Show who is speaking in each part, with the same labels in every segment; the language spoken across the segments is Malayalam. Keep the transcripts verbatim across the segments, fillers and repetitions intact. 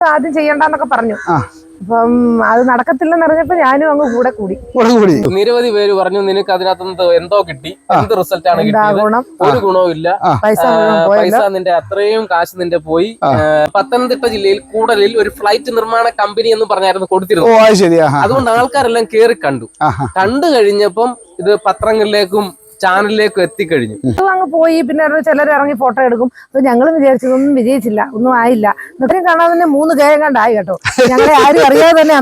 Speaker 1: ആദ്യം ചെയ്യണ്ടെന്നൊക്കെ പറഞ്ഞു. അപ്പം അത് നടക്കത്തില്ലെന്ന് അറിഞ്ഞപ്പോ ഞാനും അങ്ങ് കൂടെ കൂടി
Speaker 2: കൂടി
Speaker 3: നിരവധി പേര് പറഞ്ഞു നിനക്ക് അതിനകത്ത് എന്തോ കിട്ടി, എന്ത് റിസൾട്ട് ആണ് കിട്ടിയത്, ഒരു ഗുണവും ഇല്ല,
Speaker 1: പൈസ
Speaker 3: പൈസ നിന്റെ അത്രയും കാശ് നിന്റെ പോയി. പത്തനംതിട്ട ജില്ലയിൽ കൂടലിൽ ഒരു ഫ്ലൈറ്റ് നിർമ്മാണ കമ്പനി എന്ന് പറഞ്ഞായിരുന്നു കൊടുത്തിരുന്നത്. അതുകൊണ്ട് ആൾക്കാരെല്ലാം കേറി കണ്ടു. കണ്ടു കഴിഞ്ഞപ്പം ഇത് പത്രങ്ങളിലേക്കും ചാനലിലേക്കും എത്തിക്കഴിഞ്ഞു.
Speaker 1: അങ്ങ് പോയി. പിന്നെ ചിലർ ഇറങ്ങി ഫോട്ടോ എടുക്കും. അപ്പൊ ഞങ്ങളും വിചാരിച്ചതൊന്നും വിജയിച്ചില്ല, ഒന്നും ആയില്ല. ഇത്രയും കാണാൻ തന്നെ മൂന്ന് കേരം കണ്ടായി കേട്ടോ. ഞങ്ങളെ ആരും അറിയാതെ തന്നെ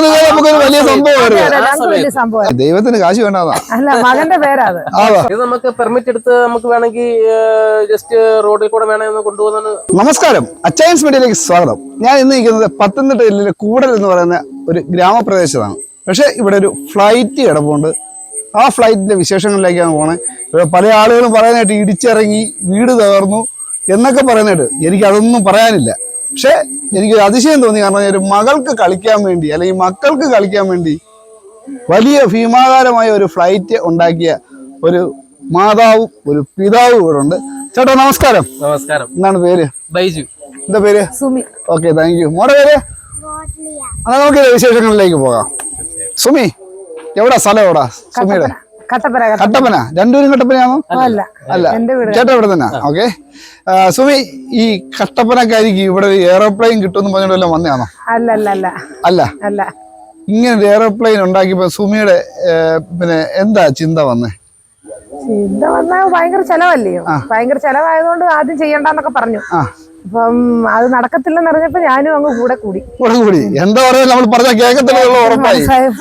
Speaker 1: വലിയ സംഭവം.
Speaker 2: ദൈവത്തിന് കാശ് വേണ്ടതാ.
Speaker 1: അല്ല, മകന്റെ പേരാ അത്.
Speaker 3: ഇത് നമുക്ക് പെർമിറ്റ് എടുത്ത് നമുക്ക് വേണമെങ്കിൽ ജസ്റ്റ് റോഡിൽ കൂടെ വേണമെന്ന് കൊണ്ടുപോകുന്നത്.
Speaker 2: നമസ്കാരം, അച്ചയൻസ് മീഡിയയിലേക്ക് സ്വാഗതം. ഞാൻ ഇന്ന് നിൽക്കുന്നത് പത്തനംതിട്ട ജില്ലയിലെ കൂടൽ എന്ന് പറയുന്ന ഒരു ഗ്രാമപ്രദേശത്താണ്. പക്ഷെ ഇവിടെ ഒരു ഫ്ലൈറ്റ് കിടപ്പുണ്ട്. ആ ഫ്ലൈറ്റിന്റെ വിശേഷങ്ങളിലേക്കാണ് പോണേ. ഇവിടെ പല ആളുകളും പറയാനായിട്ട് ഇടിച്ചിറങ്ങി വീട് തകർന്നു എന്നൊക്കെ പറയുന്നതായിട്ട് എനിക്ക് അതൊന്നും പറയാനില്ല. പക്ഷെ എനിക്ക് അതിശയം തോന്നി. കാരണം ഒരു മകൾക്ക് കളിക്കാൻ വേണ്ടി അല്ലെങ്കിൽ മക്കൾക്ക് കളിക്കാൻ വേണ്ടി വലിയ ഭീമാകാരമായ ഒരു ഫ്ലൈറ്റ് ഉണ്ടാക്കിയ ഒരു മാതാവും ഒരു പിതാവും ഇവിടെ ഉണ്ട്. ചേട്ടാ നമസ്കാരം.
Speaker 3: നമസ്കാരം.
Speaker 2: എന്താണ് പേര്?
Speaker 3: ബൈജു.
Speaker 2: എന്താ പേര്?
Speaker 1: സുമി.
Speaker 2: Okay, thank you. മോടെ പേര്? അത് നമുക്ക് വിശേഷങ്ങളിലേക്ക് പോകാം. സുമി, എവിടാ സ്ഥലം? എവിടാ സുമിയുടെ?
Speaker 1: കട്ടപ്പന.
Speaker 2: കട്ടപ്പന. രണ്ടുപേരും കട്ടപ്പനയാണോ?
Speaker 1: അല്ല,
Speaker 2: അല്ല, ചേട്ടാ ഇവിടെ തന്നെ. ഓക്കെ. സുമി, ഈ കട്ടപ്പനക്കാരിക്ക് ഇവിടെ ഒരു എയറോപ്ലെയിൻ കിട്ടുമെന്ന് പറഞ്ഞിട്ട് വന്നതാണോ?
Speaker 1: അല്ല അല്ല അല്ല
Speaker 2: അല്ല
Speaker 1: അല്ല
Speaker 2: ഇങ്ങനെ ഒരു എയറോപ്ലെയിൻ ഉണ്ടാക്കിയപ്പോ സുമിയുടെ പിന്നെ എന്താ ചിന്ത വന്നേ?
Speaker 1: ചിന്ത വന്നാൽ ഭയങ്കര ചെലവല്ലയോ. ഭയങ്കര ചെലവായതുകൊണ്ട് ആദ്യം ചെയ്യണ്ടെന്നൊക്കെ പറഞ്ഞു. അപ്പം അത് നടക്കത്തില്ലെന്ന് അറിഞ്ഞപ്പോ ഞാനും അങ്ങ് കൂടെ കൂടി
Speaker 2: കൂടെ കൂടി എന്താ പറയാ, നമ്മൾ പറഞ്ഞ കേൾക്കത്തില്ല, ഉറപ്പായി.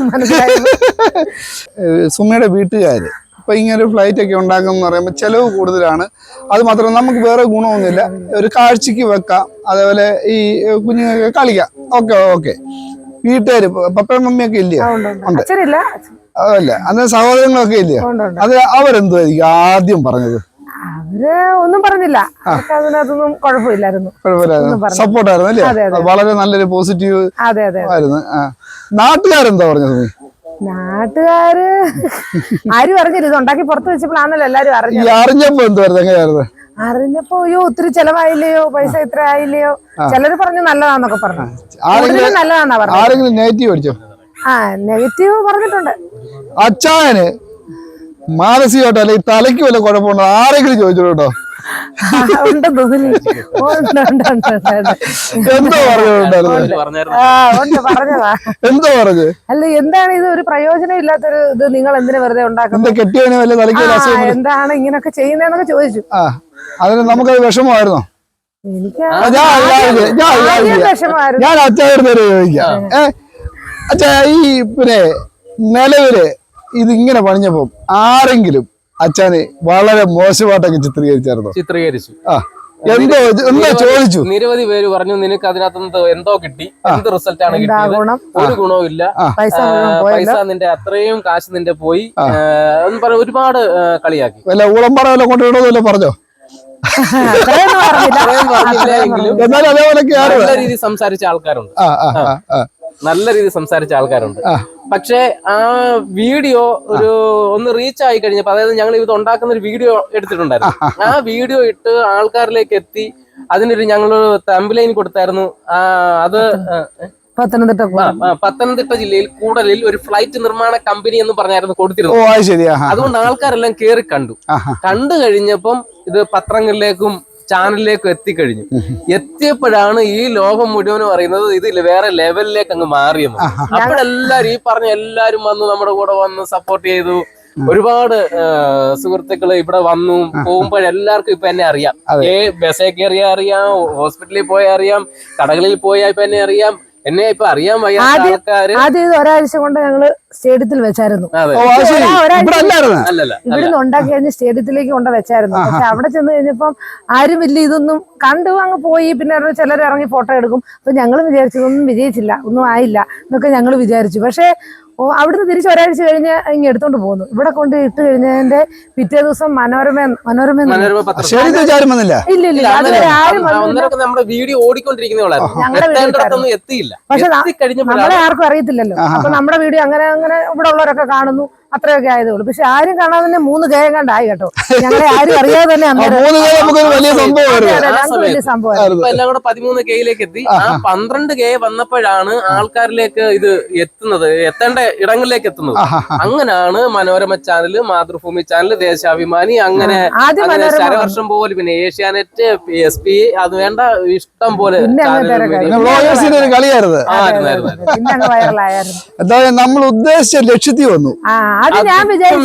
Speaker 2: സുമിയുടെ വീട്ടുകാര് ഇപ്പൊ ഇങ്ങനെ ഒരു ഫ്ലൈറ്റ് ഒക്കെ ഉണ്ടാക്കുന്ന പറയുമ്പോൾ ചെലവ് കൂടുതലാണ്. അത് മാത്രമല്ല നമുക്ക് വേറെ ഗുണമൊന്നുമില്ല. ഒരു കാഴ്ചക്ക് വെക്കാം, അതേപോലെ ഈ കുഞ്ഞുങ്ങൾക്ക് കളിക്കാം. Okay okay. വീട്ടുകാര് പപ്പയും മമ്മിയൊക്കെ ഇല്ലയോ?
Speaker 1: അച്ഛനില്ല.
Speaker 2: അതല്ല, അന്ന് സഹോദരങ്ങളൊക്കെ ഇല്ലയോ? അത് അവരെന്തുമായിരിക്കും ആദ്യം പറഞ്ഞത്?
Speaker 1: അവര് ഒന്നും പറഞ്ഞില്ല. അതിനകത്തൊന്നും കുഴപ്പമില്ലായിരുന്നു.
Speaker 2: സപ്പോർട്ടായിരുന്നു അല്ലേ? വളരെ നല്ലൊരു പോസിറ്റീവ് ആയിരുന്നു. നാട്ടുകാരെന്താ പറഞ്ഞത്?
Speaker 1: നാട്ടുകാര് ആരും അറിഞ്ഞില്ല. ഇത് ഉണ്ടാക്കി പുറത്ത് വെച്ചപ്പോഴാണല്ലോ എല്ലാരും അറിഞ്ഞത്.
Speaker 2: അറിഞ്ഞപ്പോ എന്തുവായിരുന്നു? എങ്ങനെയായിരുന്നു
Speaker 1: അറിഞ്ഞപ്പോ? അയ്യോ ഒത്തിരി ചെലവായില്ലയോ, പൈസ ഇത്ര ആയില്ലയോ. ചിലര് പറഞ്ഞു നല്ലതാന്നൊക്കെ പറഞ്ഞു. നല്ലതാന്നാ പറഞ്ഞു.
Speaker 2: ആരെങ്കിലും നെഗറ്റീവ് അടിച്ചോ?
Speaker 1: ആ, നെഗറ്റീവ് പറഞ്ഞിട്ടുണ്ട്.
Speaker 2: അച്ചായന് മാനസികമായിട്ടോ അല്ലെങ്കിൽ തലയ്ക്ക് വല്ല കുഴപ്പമുണ്ടോ ആരെങ്കിലും ചോദിച്ചോ കേട്ടോ?
Speaker 1: എന്തോ
Speaker 2: പറഞ്ഞതാ. എന്തോ പറഞ്ഞു?
Speaker 1: അല്ല, എന്താണ് ഇത്? ഒരു പ്രയോജനം ഇല്ലാത്തൊരു ഇത് നിങ്ങൾ എന്തിനാ വെറുതെ ഉണ്ടാക്കുന്നത്? എന്താണ് ഇങ്ങനൊക്കെ ചെയ്യുന്നതെന്നൊക്കെ ചോദിച്ചു.
Speaker 2: ആ, അതിന് നമുക്കത് വിഷമമായിരുന്നോ?
Speaker 1: എനിക്ക്
Speaker 2: വിഷമമായിരുന്നു. ഞാൻ അച്ചായനോട് ചോദിക്കാം. ഏ അച്ഛാ, ഈ പിന്നെ നിലവില് ഇതിങ്ങനെ പണിഞ്ഞപ്പോ ആരെങ്കിലും അച്ഛനെ വളരെ മോശമായിട്ടൊക്കെ ചിത്രീകരിച്ചായിരുന്നോ?
Speaker 3: ചിത്രീകരിച്ചു.
Speaker 2: ആ, എന്തോ എന്താ ചോദിച്ചു?
Speaker 3: നിരവധി പേര് പറഞ്ഞു നിനക്ക് അതിനകത്ത് എന്തോ കിട്ടി, എന്ത് റിസൾട്ട് ആണ് കിട്ടിയത്, ഒരു ഗുണവും ഇല്ല, പൈസ നിന്റെ അത്രയും കാശ് നിന്റെ പോയി എന്ന് പറഞ്ഞ ഒരുപാട് കളിയാക്കി.
Speaker 2: വല്ല ഊളംപാറ വല്ല കൊണ്ടുവിടോന്നല്ലോ പറഞ്ഞോ?
Speaker 3: എന്നാലും അതേപോലൊക്കെ നല്ല രീതിയിൽ സംസാരിച്ച ആൾക്കാരുണ്ട്. നല്ല രീതിയിൽ സംസാരിച്ച ആൾക്കാരുണ്ട്. പക്ഷെ ആ വീഡിയോ ഒരു ഒന്ന് റീച്ച് ആയി കഴിഞ്ഞപ്പോ, അതായത് ഞങ്ങൾ ഇത് ഉണ്ടാക്കുന്ന ഒരു വീഡിയോ എടുത്തിട്ടുണ്ടായിരുന്നു. ആ വീഡിയോ ഇട്ട് ആൾക്കാരിലേക്ക് എത്തി. അതിനൊരു ഞങ്ങള് തംബ്ലൈൻ കൊടുത്തായിരുന്നു. ആ അത്
Speaker 1: പത്തനംതിട്ട
Speaker 3: പത്തനംതിട്ട ജില്ലയിൽ കൂടലിൽ ഒരു ഫ്ലൈറ്റ് നിർമ്മാണ കമ്പനി എന്ന് പറഞ്ഞായിരുന്നു കൊടുത്തിരുന്നത്. അതുകൊണ്ട് ആൾക്കാരെല്ലാം കേറി കണ്ടു. കണ്ടു കഴിഞ്ഞപ്പം ഇത് പത്രങ്ങളിലേക്കും ചാനലിലേക്കും എത്തിക്കഴിഞ്ഞു. എത്തിയപ്പോഴാണ് ഈ ലോകം മുഴുവനും അറിയുന്നത് ഇത് വേറെ ലെവലിലേക്ക് അങ്ങ് മാറിയെന്ന്. അപ്പോഴെല്ലാരും ഈ പറഞ്ഞ എല്ലാരും വന്നു നമ്മുടെ കൂടെ വന്ന് സപ്പോർട്ട് ചെയ്തു. ഒരുപാട് സുഹൃത്തുക്കള് ഇവിടെ വന്നു. പോകുമ്പോഴെല്ലാവർക്കും ഇപ്പൊ എന്നെ അറിയാം. ഏ ബസ്സേ കയറിയാ അറിയാം, ഹോസ്പിറ്റലിൽ പോയാ അറിയാം, കടകളിൽ പോയാ ഇപ്പൊ എന്നെ അറിയാം. എന്നെ ഇപ്പൊ അറിയാൻ വയ്യാത്ത ആൾക്കാര്.
Speaker 1: ആദ്യം ഒരാഴ്ച കൊണ്ട് ഞങ്ങള് സ്റ്റേഡിയത്തിൽ വെച്ചായിരുന്നു. ഇവിടുന്ന് ഉണ്ടാക്കി കഴിഞ്ഞ് സ്റ്റേഡിയത്തിലേക്ക് കൊണ്ട് വെച്ചായിരുന്നു. പക്ഷെ അവിടെ ചെന്ന് കഴിഞ്ഞപ്പം ആരും വലിയ ഇതൊന്നും കണ്ടു അങ്ങ് പോയി. പിന്നെ ചിലർ ഇറങ്ങി ഫോട്ടോ എടുക്കും. അപ്പൊ ഞങ്ങളും വിചാരിച്ചതൊന്നും വിജയിച്ചില്ല, ഒന്നും ആയില്ല എന്നൊക്കെ ഞങ്ങൾ വിചാരിച്ചു. പക്ഷെ ഓ അവിടുന്ന് തിരിച്ച് ഒരാഴ്ച കഴിഞ്ഞ് ഇങ്ങ് എടുത്തോണ്ട് പോകുന്നു. ഇവിടെ കൊണ്ട് ഇട്ട് കഴിഞ്ഞതിന്റെ പിറ്റേ ദിവസം മനോരമ മനോരമ ഇല്ല ഇല്ല ആരും
Speaker 3: നമ്മുടെ വീഡിയോ
Speaker 1: പക്ഷെ നമ്മളെ ആർക്കും അറിയത്തില്ലല്ലോ. അപ്പൊ നമ്മുടെ വീഡിയോ അങ്ങനെ അങ്ങനെ ഇവിടെ ഉള്ളവരൊക്കെ കാണുന്നു. അത്രയൊക്കെ ആയതേ ഉള്ളൂ. പക്ഷെ ആരും കാണാതെ തന്നെ മൂന്ന് കെ കണ്ടായി കേട്ടോ. ഞങ്ങളെ ആരും അറിയാതെ തന്നെ അന്നേരം
Speaker 2: മൂന്ന് കെ നമുക്കൊരു വലിയ സംഭവമായിരുന്നു.
Speaker 1: ഞങ്ങൾക്ക് വലിയ സംഭവം.
Speaker 3: ഇപ്പൊ എല്ലാം കൂടെ പതിമൂന്ന് കെയിലേക്ക് എത്തി. ആ പന്ത്രണ്ട് കെ വന്നപ്പോഴാണ് ആൾക്കാരിലേക്ക് ഇത് എത്തുന്നത്, എത്തേണ്ട ഇടങ്ങളിലേക്ക് എത്തുന്നത്. അങ്ങനെയാണ് മനോരമ ചാനല്, മാതൃഭൂമി ചാനല്, ദേശാഭിമാനി, അങ്ങനെ അങ്ങനെ ശരവർഷം പോലെ, പിന്നെ ഏഷ്യാനെറ്റ്, എസ് പി, അത് വേണ്ട ഇഷ്ടം പോലെ
Speaker 2: കളിയായിരുന്നു. എന്തായാലും നമ്മൾ ഉദ്ദേശിച്ച ലക്ഷ്യത്തിൽ വന്നു.
Speaker 1: അത് ഞാൻ വിചാരിച്ചു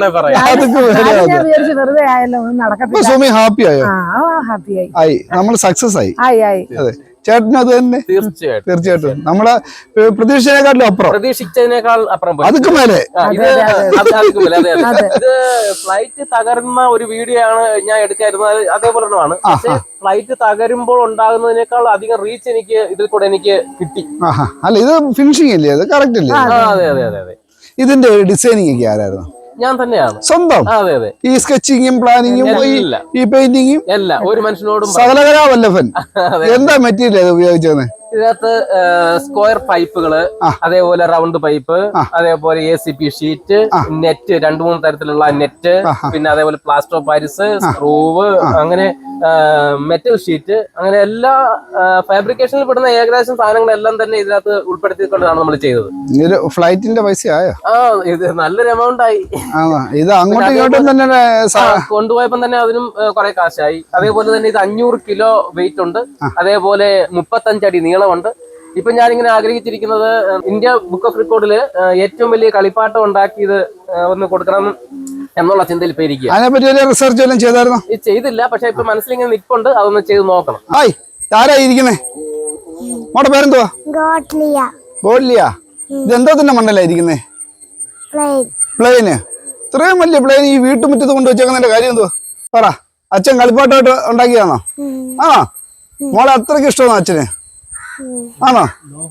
Speaker 1: വെറുതെ ആയല്ലോ,
Speaker 2: സുമി ഹാപ്പി ആയോ?
Speaker 1: ഹാപ്പിയായി
Speaker 2: ആയി, നമ്മൾ സക്സസ് ആയി. അതെ, ചേട്ടനും അത് തന്നെ.
Speaker 3: തീർച്ചയായിട്ടും
Speaker 2: തീർച്ചയായിട്ടും നമ്മളെ പ്രതീക്ഷിച്ചതിനേക്കാളും അപ്പുറം,
Speaker 3: പ്രതീക്ഷിച്ചതിനേക്കാൾ അപ്പുറം
Speaker 2: അതൊക്കെ മേലെ.
Speaker 3: ഇത് ഇത് ഫ്ലൈറ്റ് തകർന്ന ഒരു വീഡിയോ ആണ് ഞാൻ എടുക്കായിരുന്നത്, അതേപോലെ തന്നെയാണ്. പക്ഷെ ഫ്ലൈറ്റ് തകരുമ്പോൾ ഉണ്ടാകുന്നതിനേക്കാൾ അധികം റീച്ച് എനിക്ക് ഇതിൽ കൂടെ എനിക്ക് കിട്ടി.
Speaker 2: അല്ല, ഇത് ഫിനിഷിംഗ് അല്ലേ, അത് കറക്റ്റ് അല്ലേ?
Speaker 3: അതെ അതെ അതെ അതെ.
Speaker 2: ഇതിന്റെ ഡിസൈനിങ് ഒക്കെ ആരായിരുന്നു?
Speaker 3: ഞാൻ തന്നെയാണ്
Speaker 2: സ്വന്തം.
Speaker 3: അതെ അതെ.
Speaker 2: ഈ സ്കെച്ചിങ്ങും പ്ലാനിങ്ങും ഈ പെയിന്റിങ്ങും
Speaker 3: എല്ലാം ഒരു മനുഷ്യനോടും
Speaker 2: സകലകലാവല്ലഭൻ. എന്താ മെറ്റീരിയൽ ഉപയോഗിച്ചത്?
Speaker 3: ഇതിനകത്ത് സ്ക്വയർ പൈപ്പുകള്, അതേപോലെ റൗണ്ട് പൈപ്പ്, അതേപോലെ A C P sheet, net, രണ്ടു മൂന്ന് തരത്തിലുള്ള നെറ്റ്, പിന്നെ അതേപോലെ പ്ലാസ്റ്റർ ഓഫ് പാരിസ്, സ്ക്രൂവ്, അങ്ങനെ മെറ്റൽ ഷീറ്റ്, അങ്ങനെ എല്ലാ ഫാബ്രിക്കേഷനിൽ പെടുന്ന ഏകദേശം സാധനങ്ങളെല്ലാം തന്നെ ഇതിനകത്ത് ഉൾപ്പെടുത്തിക്കൊണ്ടാണ് നമ്മൾ ചെയ്തത്.
Speaker 2: ഫ്ലൈറ്റിന്റെ പൈസ ആയോ?
Speaker 3: ആ, ഇത് നല്ലൊരു എമൗണ്ട് ആയി.
Speaker 2: ഇത് അങ്ങോട്ടും ഇങ്ങോട്ടും തന്നെ
Speaker 3: കൊണ്ടുപോയപ്പോ തന്നെ അതിനും കുറെ കാശായി. അതേപോലെ തന്നെ ഇത് അഞ്ഞൂറ് കിലോ വെയിറ്റ് ഉണ്ട്, അതേപോലെ മുപ്പത്തഞ്ചടി നീളമുണ്ട്. ഇപ്പൊ ഞാനിങ്ങനെ ആഗ്രഹിച്ചിരിക്കുന്നത് ഇന്ത്യ ബുക്ക് ഓഫ് റെക്കോർഡില് ഏറ്റവും വലിയ കളിപ്പാട്ടം ഉണ്ടാക്കിയത് ഒന്ന് കൊടുക്കണം എന്നുള്ള ചിന്തയിൽ ഇപ്പൊ ഇരിക്കുക.
Speaker 2: അതിനെപ്പറ്റി റിസർച്ച് എല്ലാം ചെയ്തായിരുന്നു?
Speaker 3: ഇത് ചെയ്തില്ല, പക്ഷെ ഇപ്പൊ മനസ്സിലിങ്ങനെ നിൽപ്പുണ്ട്, അതൊന്ന് ചെയ്ത് നോക്കണം.
Speaker 2: ഹായ്, ആരായിരിക്കുന്നേ? മോടെ പേരെന്തുവാ? ഗോഡ്ലിയ. ഇതെന്തോ തന്നെ മണ്ടലായിരിക്കുന്നേ? പ്ലെയിന്. ഇത്രയും വലിയ പ്ലെയിൻ ഈ വീട്ടുമുറ്റത്ത് കൊണ്ട് വെച്ചേക്കുന്നതിന്റെ കാര്യം എന്തുവാ? പറ. അച്ഛൻ കളിപ്പാട്ടമായിട്ട് ഉണ്ടാക്കിയാണോ? ആണോ? മോളെ അത്രയ്ക്ക് ഇഷ്ടമാണോ അച്ഛന്? ആണോ?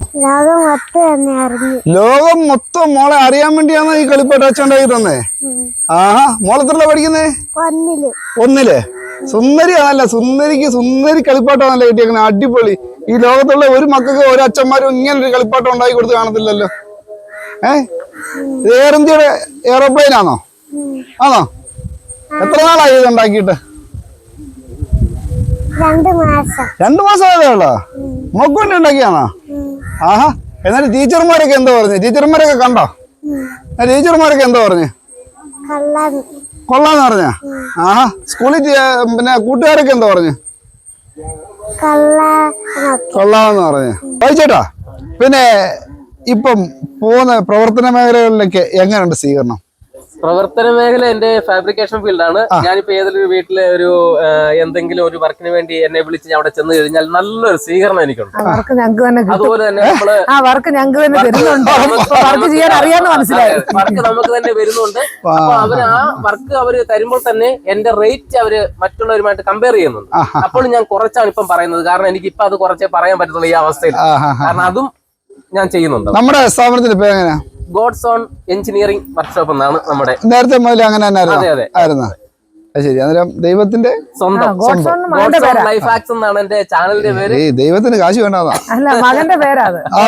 Speaker 2: ലോകം മൊത്തം മോളെ അറിയാൻ വേണ്ടിയാണോ ഈ കളിപ്പാട്ടം അച്ഛൻ ഉണ്ടാക്കി തന്നേ? ആഹാ, മോളെത്രല്ല പഠിക്കുന്നേ? ഒന്നില്. സുന്ദരിയാണല്ല, സുന്ദരിക്ക് സുന്ദരി കളിപ്പാട്ടമാണല്ലേ കിട്ടിയേക്കുന്നത്. അടിപൊളി. ഈ ലോകത്തുള്ള ഒരു മക്കൾക്ക് ഒരു അച്ഛന്മാരും ഇങ്ങനൊരു കളിപ്പാട്ടം ഉണ്ടാക്കി കൊടുത്ത് കാണത്തില്ലല്ലോ. ഏഹ്, ഇത് എയർ ഇന്ത്യയുടെ എയറോപ്ലെയിൻ ആണോ? ആണോ? എത്ര നാളായി ഇത് ഉണ്ടാക്കിയിട്ട്? രണ്ടു മാസം ആയതേ ഉള്ളോ? മോക്ക് വേണ്ടി ഉണ്ടാക്കിയാണോ? ആഹാ. എന്നാലും ടീച്ചർമാരൊക്കെ എന്താ പറഞ്ഞു? ടീച്ചർമാരൊക്കെ കണ്ടോ? ടീച്ചർമാരൊക്കെ എന്താ പറഞ്ഞു? കൊള്ളാന്ന് പറഞ്ഞ? ആഹാ. സ്കൂളിൽ പിന്നെ കൂട്ടുകാരൊക്കെ എന്താ പറഞ്ഞു? കൊള്ളാന്ന് പറഞ്ഞു. വായിച്ചേട്ടാ, പിന്നെ ഇപ്പം പോകുന്ന പ്രവർത്തന മേഖലകളിലൊക്കെ എങ്ങനെയുണ്ട് സ്വീകരണം?
Speaker 3: പ്രവർത്തന മേഖല എന്റെ ഫാബ്രിക്കേഷൻ ഫീൽഡാണ്. ഞാനിപ്പോ ഏതൊരു വീട്ടിലെ ഒരു എന്തെങ്കിലും ഒരു വർക്കിന് വേണ്ടി എന്നെ വിളിച്ച് ഞാൻ അവിടെ ചെന്ന് കഴിഞ്ഞാൽ നല്ലൊരു സ്വീകരണം എനിക്കുണ്ട്. അതുപോലെ തന്നെ നമ്മള് വർക്ക് നമുക്ക് തന്നെ വരുന്നുണ്ട്. അപ്പൊ അവര് ആ വർക്ക് അവര് തരുമ്പോൾ തന്നെ എന്റെ റേറ്റ് അവര് മറ്റുള്ളവരുമായിട്ട് കമ്പയർ ചെയ്യുന്നുണ്ട്. അപ്പോൾ ഞാൻ കുറച്ചാണ് ഇപ്പം പറയുന്നത്, കാരണം എനിക്ക് ഇപ്പൊ അത് കുറച്ചേ പറയാൻ പറ്റത്തുള്ളൂ ഈ അവസ്ഥയിൽ. കാരണം അതും ഞാൻ ചെയ്യുന്നുണ്ട്. നമ്മുടെ സ്ഥാപനത്തിന്റെ പേര് എങ്ങനെയാ? ഗോഡ്സ് ഓൺ എഞ്ചിനീയറിംഗ് വർക്ക്ഷോപ്പ് എന്നാണ് നമ്മുടെ. നേരത്തെ മുതൽ അങ്ങനെ ആയിരുന്നു? ശരി. അന്നേരം ദൈവത്തിന്റെ സ്വന്തം ലൈഫ് ആക്സ് എന്നാണ് എന്റെ ചാനലിന്റെ പേര്. ദൈവത്തിന് കാശ് വേണ്ടതാ, മകന്റെ പേരാ.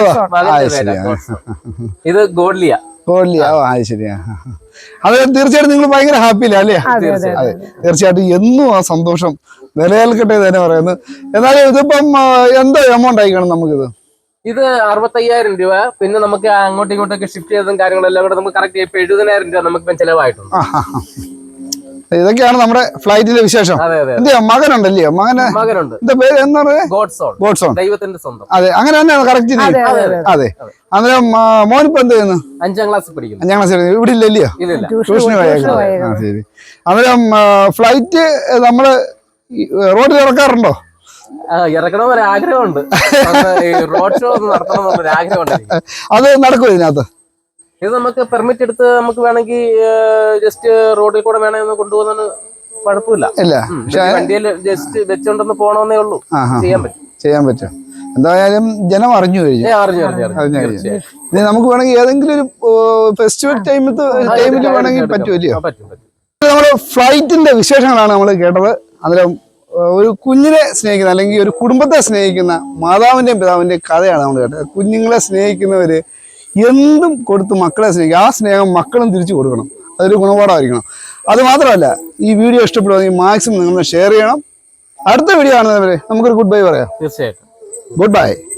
Speaker 3: ഇത് ഗോഡ്ലിയ. ഗോഡ്ലിയ. ഓ, അത് ശരിയാ. അത് തീർച്ചയായിട്ടും നിങ്ങൾ ഭയങ്കര ഹാപ്പിയില്ല അല്ലേ? അതെ, തീർച്ചയായിട്ടും എന്നും ആ സന്തോഷം നിലനിൽക്കട്ടെ തന്നെ പറയുന്നത്. എന്നാലും ഇതിപ്പം എന്തോ എമൗണ്ട് ആയിക്കണം നമുക്കിത്? ഇത് അറുപത്തയ്യായിരം രൂപ. പിന്നെ നമുക്ക് അങ്ങോട്ടും ഇങ്ങോട്ടൊക്കെ ഷിഫ്റ്റ് ചെയ്തതും കാര്യങ്ങളെല്ലാം കൂടെ നമുക്ക് കറക്റ്റ് ഇപ്പൊ എഴുപതിനായിരം രൂപ നമുക്ക് ചെലവായിട്ടുണ്ട്. ഇതൊക്കെയാണ് നമ്മുടെ ഫ്ലൈറ്റിലെ വിശേഷം. എന്തെയോ മകനുണ്ടല്ലയോ? മകന് മകനുണ്ട്. എന്താ പേര്? എന്താ പറയുക? ഗോഡ്സോൺ. ദൈവത്തിന്റെ സ്വന്തം. അതെ, അങ്ങനെ തന്നെയാണ് കറക്റ്റ്. അതെ. അന്നേരം മോനിപ്പോ എന്ത് ചെയ്യുന്നു? അഞ്ചാം ക്ലാസ് പഠിക്കുന്നു. അഞ്ചാം ക്ലാസ് ഇവിടെ ഇല്ലല്ലയോ? ട്യൂഷന് പോയേക്കാം. ശരി. അന്നേരം ഫ്ലൈറ്റ് നമ്മള് റോഡിൽ ഇറക്കാറുണ്ടോ? ഇറക്കണം ഒരു ആഗ്രഹമുണ്ട്. റോഡ് ഷോ ഒന്ന് നടത്തണം എന്നൊരു ആഗ്രഹമുണ്ട്. അത് നടക്കും ഇതിനകത്ത്? ഇത് നമുക്ക് പെർമിറ്റ് എടുത്ത് നമുക്ക് വേണമെങ്കിൽ ജസ്റ്റ് റോഡിൽ കൂടെ വേണമെന്ന് കൊണ്ടുപോകുന്നതിന് കുഴപ്പമില്ല. വണ്ടിയിൽ ജസ്റ്റ് വെച്ചോണ്ടൊന്ന് പോകണമെന്നേ ഉള്ളൂ. ചെയ്യാൻ പറ്റും. ചെയ്യാൻ പറ്റും. എന്തായാലും ജനം അറിഞ്ഞു കഴിഞ്ഞു. അറിഞ്ഞു അറിഞ്ഞു കഴിഞ്ഞു. ഇനി നമുക്ക് വേണമെങ്കിൽ ഏതെങ്കിലും ഒരു ഫെസ്റ്റിവൽ ടൈമിൽ ടൈമിൽ വേണമെങ്കിൽ പറ്റുമല്ലോ. നമ്മുടെ ഫ്ലൈറ്റിന്റെ വിശേഷങ്ങളാണ് നമ്മൾ കേട്ടത്. അന്നേരം ഒരു കുഞ്ഞിനെ സ്നേഹിക്കുന്ന അല്ലെങ്കിൽ ഒരു കുടുംബത്തെ സ്നേഹിക്കുന്ന മാതാവിന്റെയും പിതാവിന്റെയും കഥയാണ് നമ്മൾ കേട്ടത്. കുഞ്ഞുങ്ങളെ സ്നേഹിക്കുന്നവര്
Speaker 2: എന്തും കൊടുത്ത് മക്കളെ സ്നേഹിക്കുക. ആ സ്നേഹം മക്കളും തിരിച്ചു കൊടുക്കണം. അതൊരു ഗുണപാഠമായിരിക്കണം. അത് മാത്രമല്ല, ഈ വീഡിയോ ഇഷ്ടപ്പെടുകയാണെങ്കിൽ മാക്സിമം നിങ്ങൾ ഷെയർ ചെയ്യണം. അടുത്ത വീഡിയോ കാണുന്നവരെ നമുക്കൊരു ഗുഡ് ബൈ പറയാം.
Speaker 3: തീർച്ചയായിട്ടും
Speaker 2: ഗുഡ് ബൈ.